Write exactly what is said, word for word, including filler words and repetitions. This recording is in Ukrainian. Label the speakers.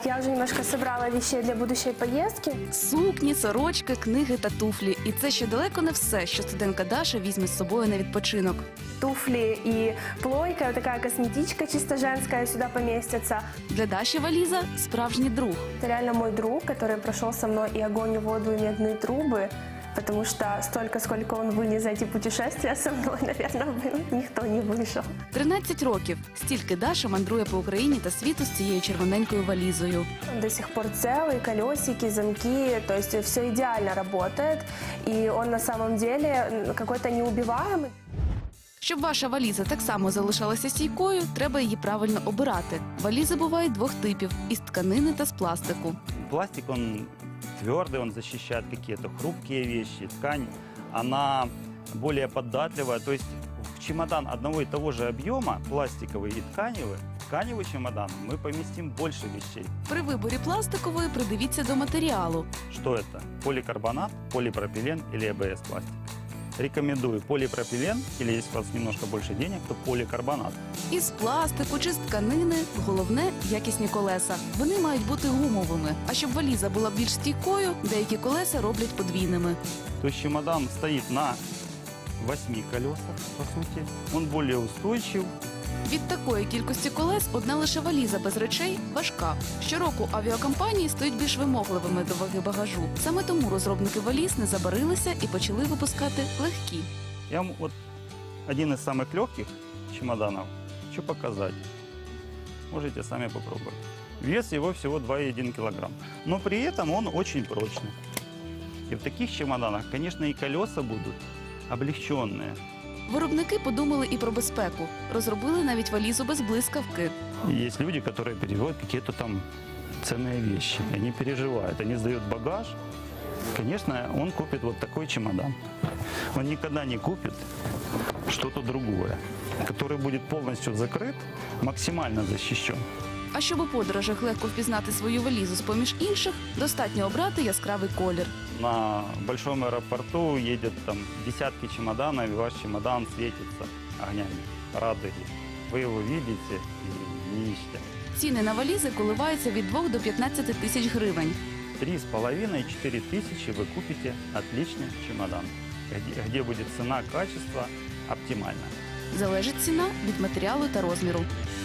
Speaker 1: Так, я уже немножко собрала вещей для будущей поездки.
Speaker 2: Сукні, сорочки, книги та туфлі. І це ще далеко не все, що студентка Даша візьме з собою на відпочинок.
Speaker 1: Туфли и плойка, вот такая косметичка чисто женская сюда поместится.
Speaker 2: Для Даші валіза – справжній друг.
Speaker 1: Это реально мой друг, который прошел со мной и огонь, и воду, и медные трубы. Потому что столько, сколько он вынес за эти путешествия со мной, наверное, никто не вышел.
Speaker 2: тринадцять років. Стільки Даша мандрує по Україні та світу з цією червоненькою валізою.
Speaker 1: Он до сих пор целый, колесики, замки, то есть все идеально работает. И он на самом деле какой-то неубиваемый.
Speaker 2: Щоб ваша валіза так само залишалася стійкою, треба її правильно обирати. Валізи бувають двох типів – із тканини та з пластику.
Speaker 3: Пластик, он твердый, он защищает какие-то хрупкие вещи. Ткань, она более податливая. То есть в чемодан одного и того же объема, пластиковый и тканевый, тканевый чемодан, мы поместим больше вещей.
Speaker 2: При виборі пластикової придивіться до матеріалу.
Speaker 3: Что это? Поликарбонат, полипропилен или эй бэ эс пластик? Рекомендую полипропилен, или если у вас немножко больше денег, то поликарбонат.
Speaker 2: Із пластику чи з тканини – головне – якісні колеса. Вони мають бути гумовими. А щоб валіза була більш стійкою, деякі колеса роблять подвійними.
Speaker 3: То есть чемодан стоит на восьми колесах, по сути. Он более устойчив.
Speaker 2: Від такої кількості колес одна лише валіза без речей важка. Щороку авіакомпанії стають більш вимогливими до ваги багажу. Саме тому розробники валіз не забарилися і почали випускати легкі.
Speaker 3: Я вам вот один из самых легких чемоданов хочу показать. Можете сами попробовать. Вес его всего два и один килограмм. Но при этом он очень прочный. И в таких чемоданах, конечно, и колеса будут облегченные.
Speaker 2: Виробники подумали і про безпеку. Розробили навіть валізу без блискавки.
Speaker 3: Есть люди, которые перевозят какие-то там ценные вещи. Они переживают, они сдают багаж. Конечно, он купит вот такой чемодан. Он никогда не купит что-то другое, который будет полностью закрыт, максимально защищен.
Speaker 2: А щоб у подорожах легко впізнати свою валізу з-поміж інших, достатньо обрати яскравий колір.
Speaker 3: На большом аэропорту едет там десятки чемоданов, и ваш чемодан светится огнями радуги. Вы его видите и не ищете.
Speaker 2: Ціни на валізи коливаються від двох до п'ятнадцяти тисяч гривень.
Speaker 3: Три с половиной - четыре тысячи вы купите отличный чемодан, где, где будет цена, качество оптимально.
Speaker 2: Залежить ціна від матеріалу та розміру.